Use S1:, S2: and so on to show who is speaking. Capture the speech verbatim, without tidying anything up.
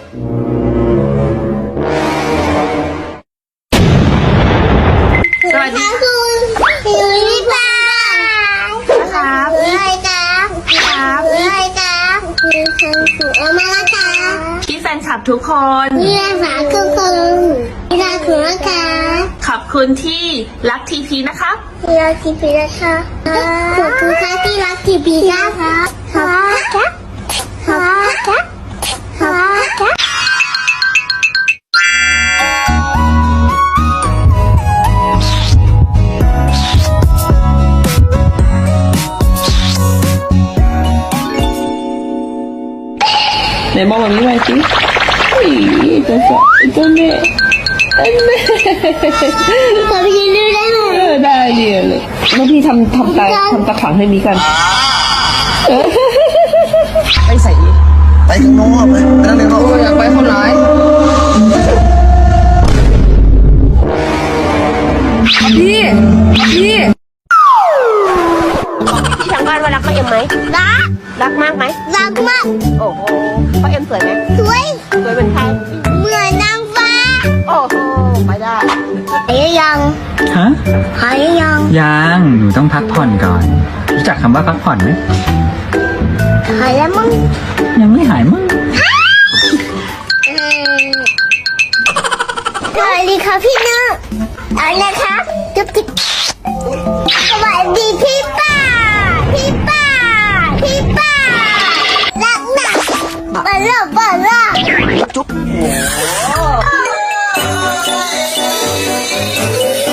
S1: สวัสดีคุณอยู่ที่บ้านครับอะไรครับครับอะไรครับคือคุณสุอมาละครับพี่แฟนคลับทุกคนพี่แฟนคลับทุกคนพี่รักคุณนะคะขอบคุณที่รักทีพีนะครับที่รักทีพีนะคะขอบคุณค่ะที่รักทีพีนะคะขอบคุณค่ะขอบคุณค่ะขอบคุณค่ะ
S2: ไหนมองแบบนี้ไปสิอีตัวสาวตัวเน่อันเน่
S1: ขอพี่ดูได้ไหม
S2: เออได้เดียวเลยแล้วพี่ทำทำตาทำตาขังให้นี้กันไปใส่
S3: ไปข้างนอกไปไปนั่งในห้อง
S2: อยากไปคนร้ายพี่พี่
S4: พี่ทางบ้านว่ารักพ่อเอ็มไหม
S1: รัก
S4: รักมากไหม
S1: รักมาก
S4: โอ้โหพ่อเอ็มสวยไหม
S1: สวย
S4: สวยเหมือนใคร
S1: เหมือนนางฟ้า
S4: โอ้โหไปได้
S1: หายยัง
S5: ฮะ
S1: หายยัง
S5: ยังหนูต้องพักผ่อนก่อน รู้จักคำว่าพักผ่อนไหม
S1: หายแล้วมั้ง
S5: ยังไม่หายมั้ง
S1: สวัสดีค่ะพี่น้องอะไรนะคะจุ๊บจิ๊บสวัสดีพี่ป้าพี่ป้าพี่ป้ารักนะบ้าล่ะบ้าล่ะจุ๊บ